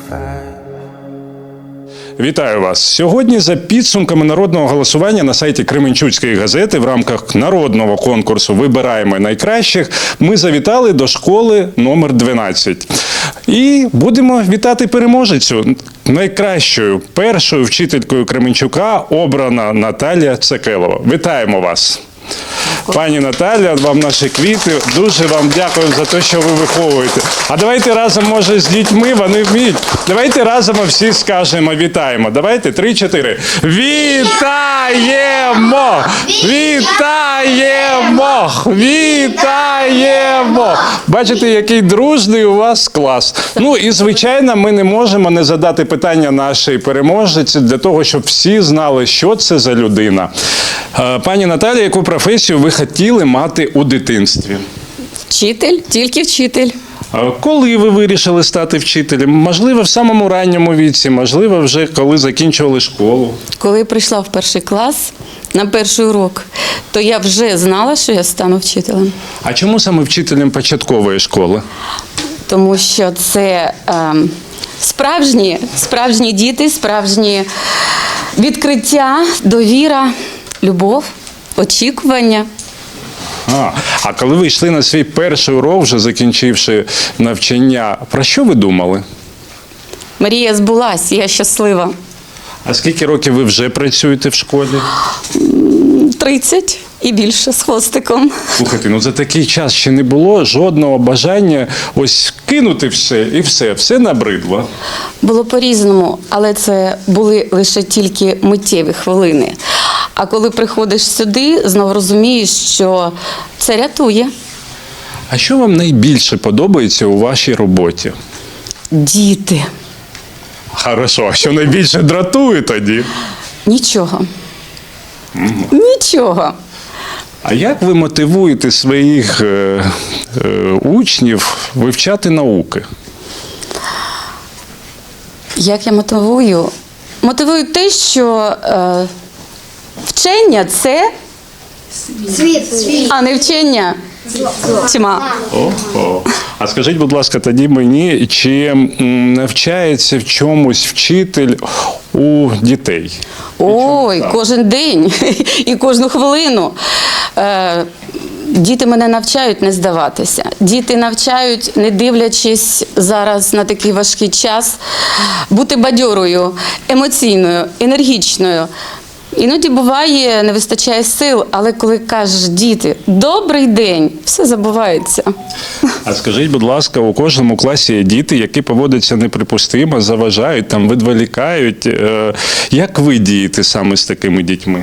Вітаю вас! Сьогодні за підсумками народного голосування на сайті Кременчуцької газети в рамках народного конкурсу «Вибираємо найкращих» ми завітали до школи номер 12. І будемо вітати переможецю. Найкращою першою вчителькою Кременчука обрана Наталія Цекелова. Вітаємо вас! Пані Наталя, вам наші квіти. Дуже вам дякую за те, що ви виховуєте. А давайте разом, може, з дітьми, вони вміють. Давайте разом всі скажемо вітаємо. Давайте, 3-4. Вітаємо! Вітаємо! Вітаємо! Бачите, який дружний у вас клас. Ну і, звичайно, ми не можемо не задати питання нашій переможниці для того, щоб всі знали, що це за людина. Пані Наталія, яку професію ви хотіли мати у дитинстві? Вчитель, тільки вчитель. Коли ви вирішили стати вчителем? Можливо, в самому ранньому віці, можливо, вже коли закінчували школу? Коли прийшла в перший клас на перший урок, то я вже знала, що я стану вчителем. А чому саме вчителем початкової школи? Тому що це справжні діти, справжні відкриття, довіра, любов, очікування. А коли ви йшли на свій перший урок, вже закінчивши навчання, про що ви думали? Мрія збулась, я щаслива. А скільки років ви вже працюєте в школі? 30 і більше з хвостиком. Слухайте, ну за такий час ще не було жодного бажання ось кинути все і все набридло. Було по-різному, але це були лише тільки миттєві хвилини. А коли приходиш сюди, знову розумієш, що це рятує. А що вам найбільше подобається у вашій роботі? Діти. Хорошо, а що найбільше дратує тоді? Нічого. Нічого. А як ви мотивуєте своїх учнів вивчати науки? Як я мотивую? Мотивую те, що вчення – це Світ. а не вчення – тьма. А скажіть, будь ласка, тоді мені, чи навчається в чомусь вчитель у дітей? Ой, кожен день і кожну хвилину. Діти мене навчають не здаватися. Діти навчають, не дивлячись зараз на такий важкий час, бути бадьорою, емоційною, енергічною. Іноді буває, не вистачає сил, але коли кажеш діти «добрий день», все забувається. А скажіть, будь ласка, у кожному класі є діти, які поводяться неприпустимо, заважають, там, відволікають. Як ви дієте саме з такими дітьми?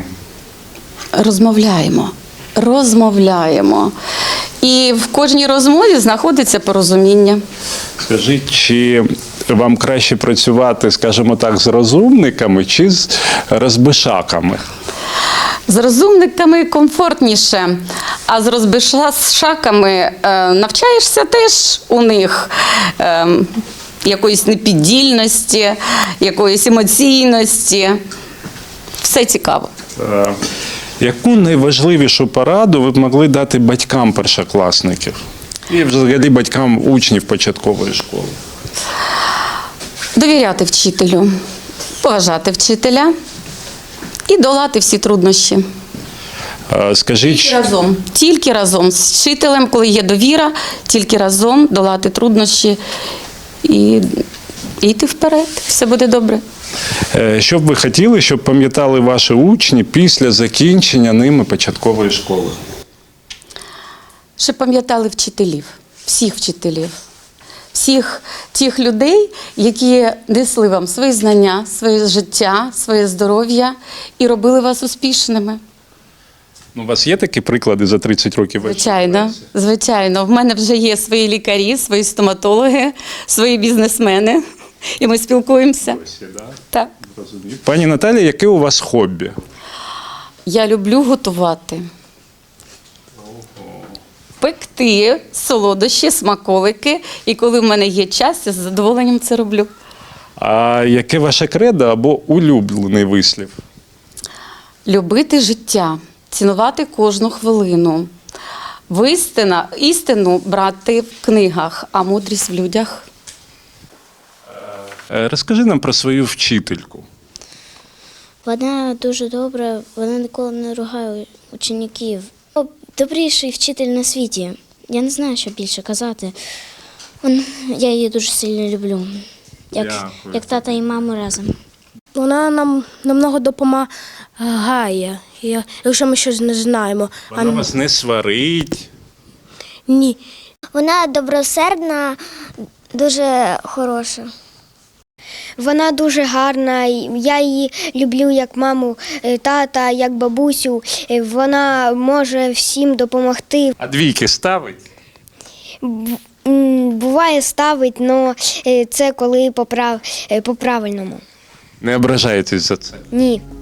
Розмовляємо. І в кожній розмові знаходиться порозуміння. Скажіть, чи вам краще працювати, скажімо так, з розумниками чи з розбишаками? З розумниками комфортніше, а з розбишаками навчаєшся теж у них якоїсь непіддільності, якоїсь емоційності. Все цікаво. Яку найважливішу пораду ви б могли дати батькам першокласників? І взагалі батькам учнів початкової школи? Довіряти вчителю, поважати вчителя і долати всі труднощі. Скажіть, Тільки разом з вчителем, коли є довіра, тільки разом долати труднощі і йти вперед. Все буде добре. що б ви хотіли, щоб пам'ятали ваші учні після закінчення ними початкової школи? Щоб пам'ятали вчителів, всіх вчителів. Всіх тих людей, які несли вам свої знання, своє життя, своє здоров'я і робили вас успішними. У вас є такі приклади за 30 років? Звичайно, звичайно. В мене вже є свої лікарі, свої стоматологи, свої бізнесмени. І ми спілкуємося. Так. Пані Наталія, яке у вас хобі? Я люблю готувати. Пекти солодощі, смаколики. І коли в мене є час, я з задоволенням це роблю. А яке ваше кредо або улюблений вислів? Любити життя, цінувати кожну хвилину. Істину брати в книгах, а мудрість в людях. Розкажи нам про свою вчительку. Вона дуже добра, вона ніколи не ругає учнів. Добріший вчитель на світі. Я не знаю, що більше казати. Я її дуже сильно люблю. Як тата і маму разом. Вона нам намного допомагає, якщо ми щось не знаємо. Вона вас не сварить. Ні. Вона добросердна, дуже хороша. Вона дуже гарна, я її люблю як маму, тата, як бабусю. Вона може всім допомогти. А двійки ставить? Буває ставить, але це коли по-правильному. Не ображаєтесь за це? Ні.